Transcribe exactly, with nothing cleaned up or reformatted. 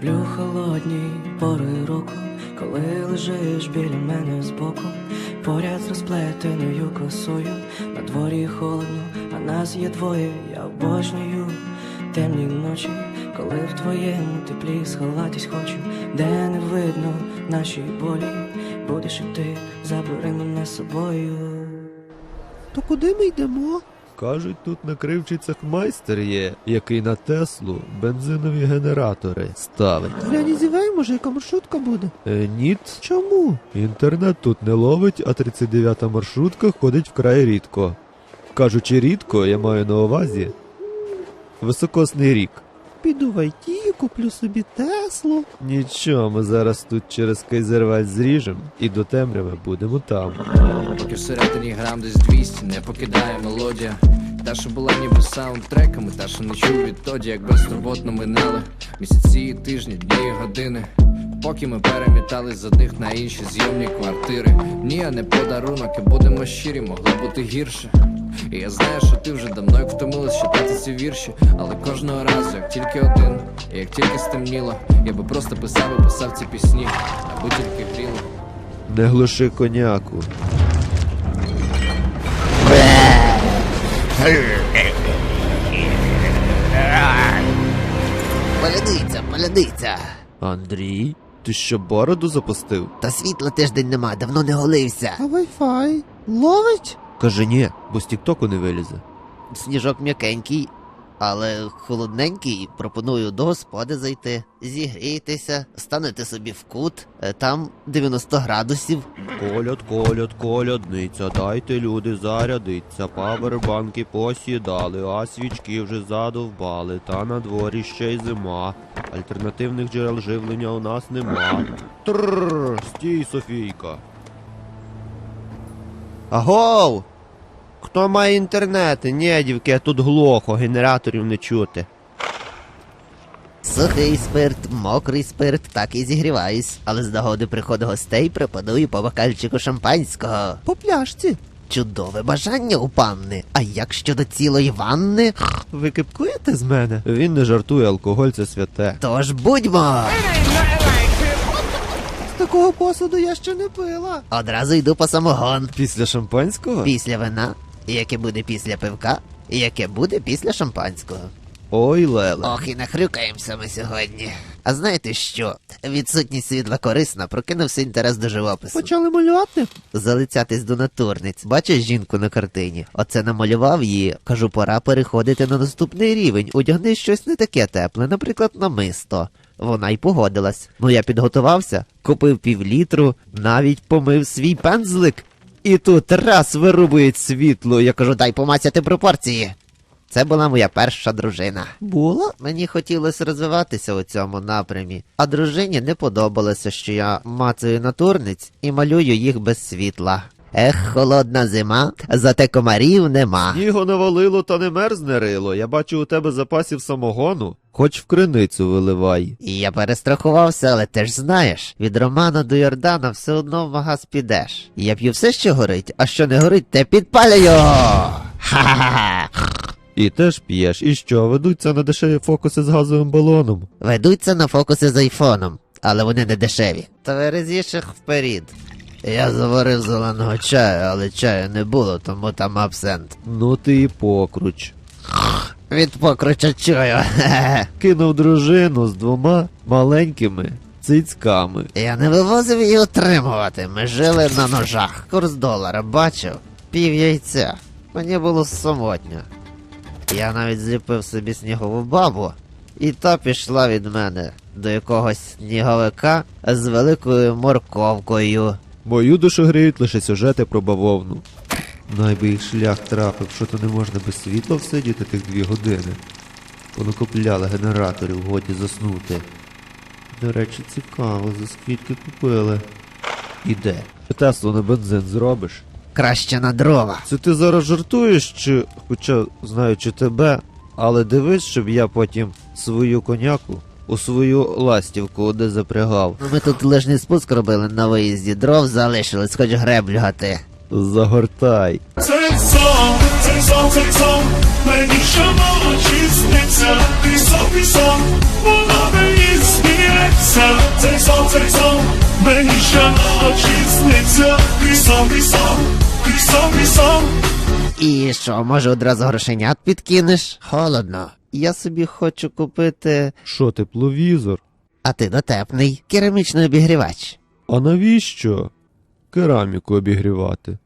люблю холодні пори року, коли лежиш біля мене збоку, поряд з розплетеною косою. На дворі холодно, а нас є двоє. Я обожнюю темні ночі, коли в твоєму теплі сховатись хочу, де не видно наші болі. Будеш і ти, забери мене з собою. То куди ми йдемо? Кажуть, тут на кривчицях майстер є, який на Теслу бензинові генератори ставить. Глянь, зівай, може, яка маршрутка буде? Е, ніт. Чому? Інтернет тут не ловить, а тридцять дев'ята маршрутка ходить вкрай рідко. Кажучи рідко, я маю на увазі високосний рік. Піду в ай ті, куплю собі Теслу. Нічого, ми зараз тут через Кайзервець зріжем і до темряви будемо там. Поки всередині грам десь двісті, не покидає мелодія. Та, що була ніби саундтреками, та, що не чув відтоді, як безтурботно минали місяці, тижні, дні і години. Поки ми перемітались з одних на інші зйомні квартири. Ні, а не подарунок, і будемо щирі, могло бути гірше. І я знаю, що ти вже давно як втомилась читати ці вірші, але кожного разу, як тільки один, і як тільки стемніло, я би просто писав і писав ці пісні, аби тільки гріло. Не глуши коняку. Полядиця, полядиця. Андрій, ти що бороду запустив? Та світла тиждень нема, давно не голився. А вай-фай? Ловить? Каже ні, бо з тіктоку не вилізе. Сніжок м'якенький, але холодненький. Пропоную до господи зайти, зігрійтеся, станете собі в кут, е, там дев'яносто градусів. Коляд, коляд, колядниця, дайте люди зарядиться, павербанки посідали, а свічки вже задовбали, та на дворі ще й зима. Альтернативних джерел живлення у нас нема. Трррр, стій, Софійка. Агов! Хто має інтернет? Ні, дівки, тут глухо, генераторів не чути. Сухий спирт, мокрий спирт, так і зігріваюсь. Але з нагоди приходу гостей пропоную по бокальчику шампанського. По пляшці. Чудове бажання у панни. А як щодо цілої ванни? Ви кипкуєте з мене? Він не жартує, алкоголь це святе. Тож будьмо! З такого посуду я ще не пила. Одразу йду по самогон. Після шампанського? Після вина, яке буде після пивка, і яке буде після шампанського. Ой, Леле. Ох, і нахрюкаємося ми сьогодні. А знаєте що? Відсутність світла корисна, прокинувся інтерес до живопису. Почали малювати? Залицятись до натурниць. Бачиш жінку на картині? Оце намалював її. Кажу, пора переходити на наступний рівень. Одягни щось не таке тепле, наприклад, намисто. Вона й погодилась. Ну я підготувався, купив півлітру, навіть помив свій пензлик. І тут раз вирубують світло. Я кажу, дай помацяти пропорції. Це була моя перша дружина. Була? Мені хотілося розвиватися у цьому напрямі, а дружині не подобалося, що я мацаю натурниць і малюю їх без світла. Ех, холодна зима, зате комарів нема. Снігу навалило, та не мерзне рило. Я бачу у тебе запасів самогону. Хоч в криницю виливай. І я перестрахувався, але ти ж знаєш, від Романа до Йордана все одно в магаз підеш. Я п'ю все, що горить, а що не горить, те підпалюю! Ха-ха-ха! І теж п'єш. І що, ведуться на дешеві фокуси з газовим балоном? Ведуться на фокуси з айфоном, але вони не дешеві. Тверезіших вперед. Я заварив зеленого чаю, але чаю не було, тому там абсент. Ну ти і покруч. Від покруча чую. Кинув дружину з двома маленькими цицьками. Я не вивозив її утримувати, ми жили на ножах. Курс долара бачив, пів яйця. Мені було самотньо. Я навіть зліпив собі снігову бабу, і та пішла від мене до якогось сніговика з великою морковкою. Мою душу гріють лише сюжети про бавовну. Найби їх шлях трапив, що то не можна без світла всидіти тих дві години. Понакопляли генераторів, годі заснути. До речі, цікаво, за скільки купили. Іде. Теслу на бензин зробиш? Краще на дрова. Це ти зараз жартуєш, чи, хоча, знаючи тебе, але дивись, щоб я потім свою коняку у свою ластівку де запрягав. Ми тут лижний спуск робили на виїзді, дров залишилось, хоч греблю гати. Загортай. Цей сон, цей сон, цей сон, мені ще ночі сниться, пісок, пісок, воно мені сниться. мені щоночі сниться твій сон, твій сон, твій сон, твій сон. І що, може одразу грошенят підкинеш? Холодно. Я собі хочу купити. Що, тепловізор? А ти дотепний. Керамічний обігрівач. А навіщо кераміку обігрівати?